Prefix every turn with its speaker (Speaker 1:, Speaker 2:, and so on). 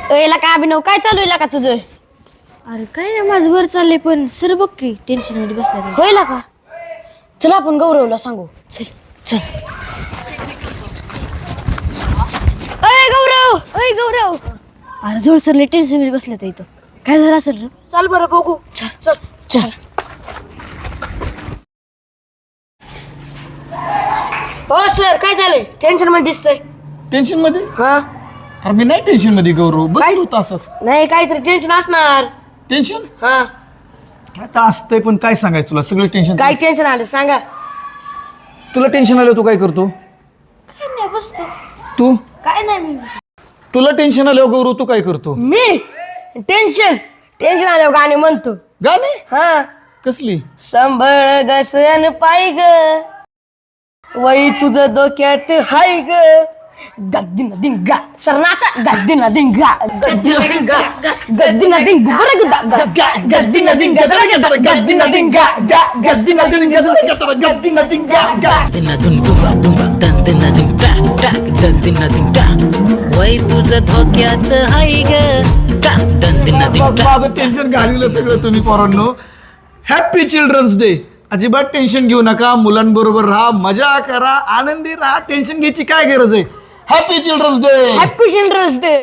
Speaker 1: याला काय अभिनव काय चालू आहे का तुझं?
Speaker 2: अरे काय नाही माझं बरं चाललंय पण सर बघ की टेन्शन मध्ये बसला
Speaker 1: होईल का? चला आपण गौरवला सांगू.
Speaker 2: चल
Speaker 1: चल. अय गौरव.
Speaker 2: अय गौरव अरे जोड सरले टेन्शन मध्ये बसला इथं काय झालं असेल रे
Speaker 1: चल बरं बघू. चल चल चल. हो सर काय झालंय? टेन्शन मध्ये दिसतंय.
Speaker 3: टेन्शन मध्ये?
Speaker 1: हा
Speaker 3: अरे मी नाही टेन्शन मध्ये गौरव, बसलो होतो असंच.
Speaker 1: नाही काहीतरी टेन्शन असणार.
Speaker 3: टेन्शन
Speaker 1: हा
Speaker 3: आता असतंय, पण काय सांगायचं तुला, सगळं टेन्शन.
Speaker 1: काय टेन्शन आलं सांगा.
Speaker 3: तुला टेन्शन आलं तू काय करतो?
Speaker 2: काय नाही बसतो
Speaker 3: तू
Speaker 2: काय नाही मी
Speaker 3: तुला टेन्शन आलं गौरव तू काय करतो?
Speaker 1: मी टेन्शन आल्यावर गाणे म्हणतो.
Speaker 3: गाणे?
Speaker 1: हा
Speaker 3: कसली?
Speaker 1: संभळ गसन पाय ग वही तुझं डोक्यात हाय ग गद्दीना दिंगा सरनाचा गद्दीना दिंगा गद्दीना दिंगा गद्दीना दिंगा गद्दीना दिंगा गद्दीना दिंगा गद्दीना दिंगा गद्दीना दिंगा
Speaker 4: वय तुझं धोक्याचं हाय ग
Speaker 3: माझं टेन्शन घालवलं सगळं तुम्ही पोरांनो. Happy children's day. अजिबात टेन्शन घेऊ नका, मुलांबरोबर राहा, मजा करा, आनंदी राहा, टेन्शन घ्यायची काय गरज आहे. Happy children's day.
Speaker 1: Happy children's day.